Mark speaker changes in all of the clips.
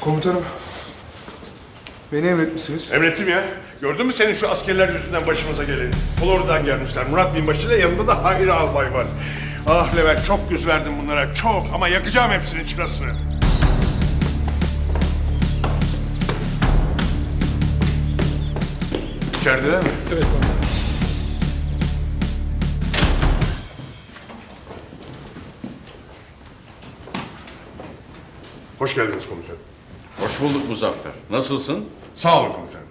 Speaker 1: Komutanım, beni emretmişsiniz.
Speaker 2: Emrettim ya. Gördün mü senin şu askerler yüzünden başımıza geleni? Flori'den gelmişler. Murat Binbaşı ile yanında da Hayri Albay var. Ah Levent, çok yüz verdim bunlara, çok. Ama yakacağım hepsinin çırasını. İçerideler mi?
Speaker 3: Evet komutanım.
Speaker 2: Hoş geldiniz komutanım.
Speaker 4: Hoş bulduk Muzaffer. Nasılsın?
Speaker 2: Sağ olun komutanım.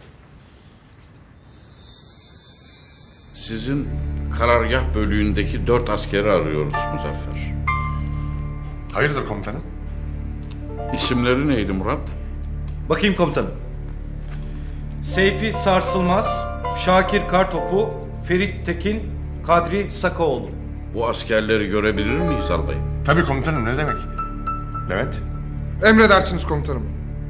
Speaker 4: Sizin karargah bölüğündeki 4 askeri arıyoruz Muzaffer.
Speaker 2: Hayırdır komutanım?
Speaker 4: İsimleri neydi Murat?
Speaker 5: Bakayım komutanım. Seyfi Sarsılmaz, Şakir Kartopu, Ferit Tekin, Kadri Sakaoğlu.
Speaker 4: Bu askerleri görebilir miyiz albayım?
Speaker 2: Tabii komutanım, ne demek? Levent?
Speaker 1: Emredersiniz komutanım.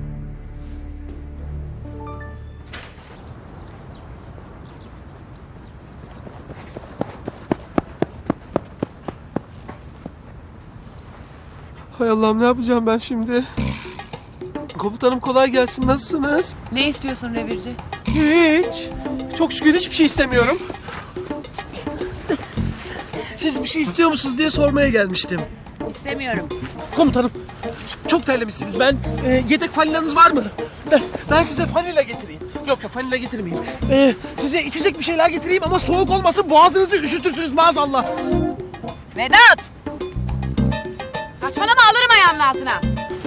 Speaker 3: Hay Allah'ım, ne yapacağım ben şimdi? Komutanım kolay gelsin, nasılsınız?
Speaker 6: Ne istiyorsun revirci?
Speaker 3: Hiç. Çok şükür hiçbir şey istemiyorum. Siz bir şey istiyor musunuz diye sormaya gelmiştim.
Speaker 6: İstemiyorum.
Speaker 3: Komutanım, çok terlemişsiniz. Yedek falinanız var mı? Ben size fanila getireyim. Yok fanila getirmeyeyim. Size içecek bir şeyler getireyim ama soğuk olmasın, boğazınızı üşütürsünüz maazallah.
Speaker 6: Vedat! Saçmalama, alırım ayağımın altına.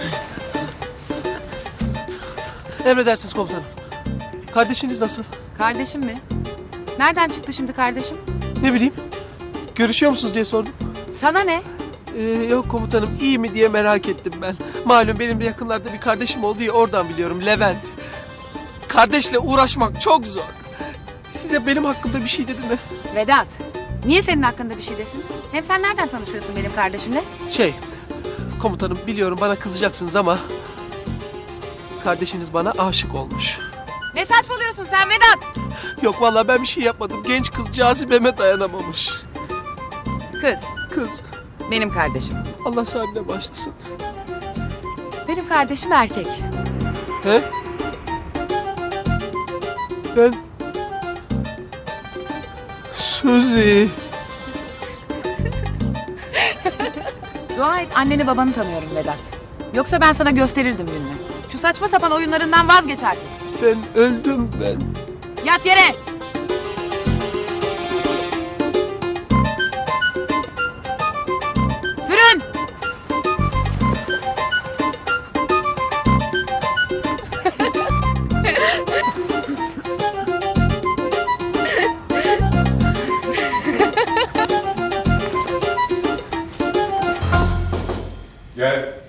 Speaker 3: Emredersiniz komutanım. Kardeşiniz nasıl?
Speaker 6: Kardeşim mi? Nereden çıktı şimdi kardeşim?
Speaker 3: Ne bileyim. Görüşüyor musunuz diye sordum.
Speaker 6: Sana ne?
Speaker 3: Yok komutanım, iyi mi diye merak ettim ben. Malum benim de yakınlarda bir kardeşim oldu ya, oradan biliyorum, Levent. Kardeşle uğraşmak çok zor. Size benim hakkımda bir şey dedi mi?
Speaker 6: Vedat, niye senin hakkında bir şey desin? Hem sen nereden tanışıyorsun benim kardeşimle?
Speaker 3: Komutanım biliyorum bana kızacaksınız ama... kardeşiniz bana aşık olmuş.
Speaker 6: Ne saçmalıyorsun sen Vedat?
Speaker 3: Yok vallahi ben bir şey yapmadım. Genç kız cazibeme dayanamamış. Kız.
Speaker 6: Benim kardeşim.
Speaker 3: Allah sahibine başlasın.
Speaker 6: Benim kardeşim erkek.
Speaker 3: He? Ben... Suzi.
Speaker 6: Dua et anneni babanı tanıyorum Vedat. Yoksa ben sana gösterirdim gününü. Şu saçma sapan oyunlarından vazgeç artık.
Speaker 3: Ben öldüm ben.
Speaker 6: Yat yere! Sürün!
Speaker 2: Gel.